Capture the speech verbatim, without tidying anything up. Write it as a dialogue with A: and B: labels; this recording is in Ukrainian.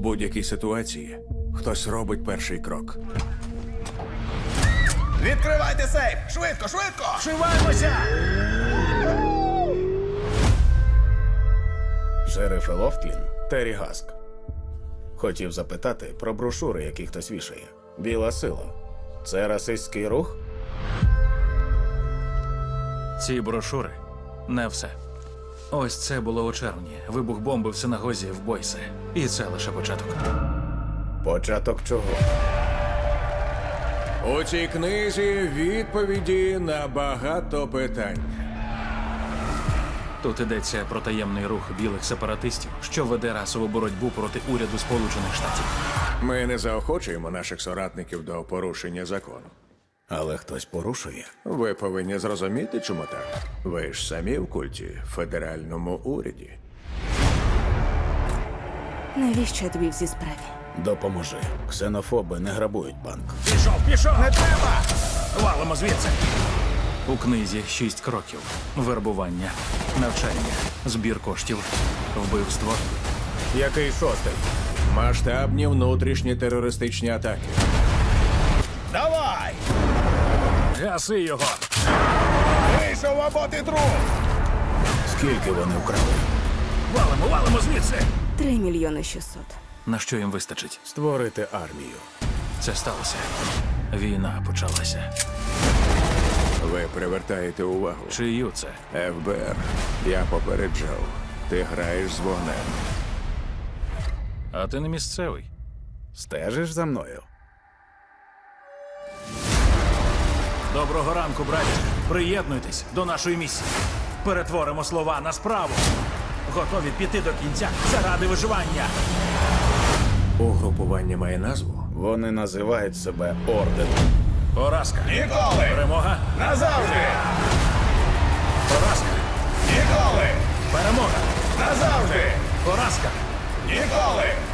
A: будь-якій ситуації хтось робить перший крок.
B: Відкривайте сейф! Швидко, швидко!
C: Вшиваємося!
D: Шериф Лофтлін, Террі Гаск. Хотів запитати про брошури, які хтось вішає. Біла сила. Це расистський рух?
C: Ці брошури – не все. Ось це було у червні. Вибух бомби в синагозі в Бойсе. І це лише початок.
D: Початок чого?
A: У цій книзі відповіді на багато питань.
C: Тут йдеться про таємний рух білих сепаратистів, що веде расову боротьбу проти уряду Сполучених Штатів.
A: Ми не заохочуємо наших соратників до порушення закону.
D: Але хтось порушує.
A: Ви повинні зрозуміти, чому так. Ви ж самі в культі, в федеральному уряді.
E: Навіщо я тобі в цій справі?
D: Допоможи. Ксенофоби не грабують банк.
C: Пішов, пішов! Не треба! Валимо звідси! У книзі шість кроків. Вербування, навчання, збір коштів, вбивство.
D: Який шостий?
A: Масштабні внутрішні терористичні атаки.
B: Давай!
C: Гаси його!
B: Вийшов або ти труп!
D: Скільки вони вкрали?
C: Валимо, валимо звідси!
E: Три мільйони шістсот.
C: На що їм вистачить?
D: Створити армію.
C: Це сталося. Війна почалася.
A: Ви привертаєте увагу.
C: Чию це?
A: еф бе ер, я попереджав. Ти граєш з вогнем.
C: А ти не місцевий.
D: Стежиш за мною?
C: Доброго ранку, браті. Приєднуйтесь до нашої місії. Перетворимо слова на справу. Готові піти до кінця заради виживання.
A: Угрупування має назву?
D: Вони називають себе орденом.
C: Поразка.
B: Ніколи!
C: Перемога.
B: Назавжди!
C: Поразка.
B: Ніколи!
C: Перемога.
B: Назавжди!
C: Поразка.
B: Ніколи!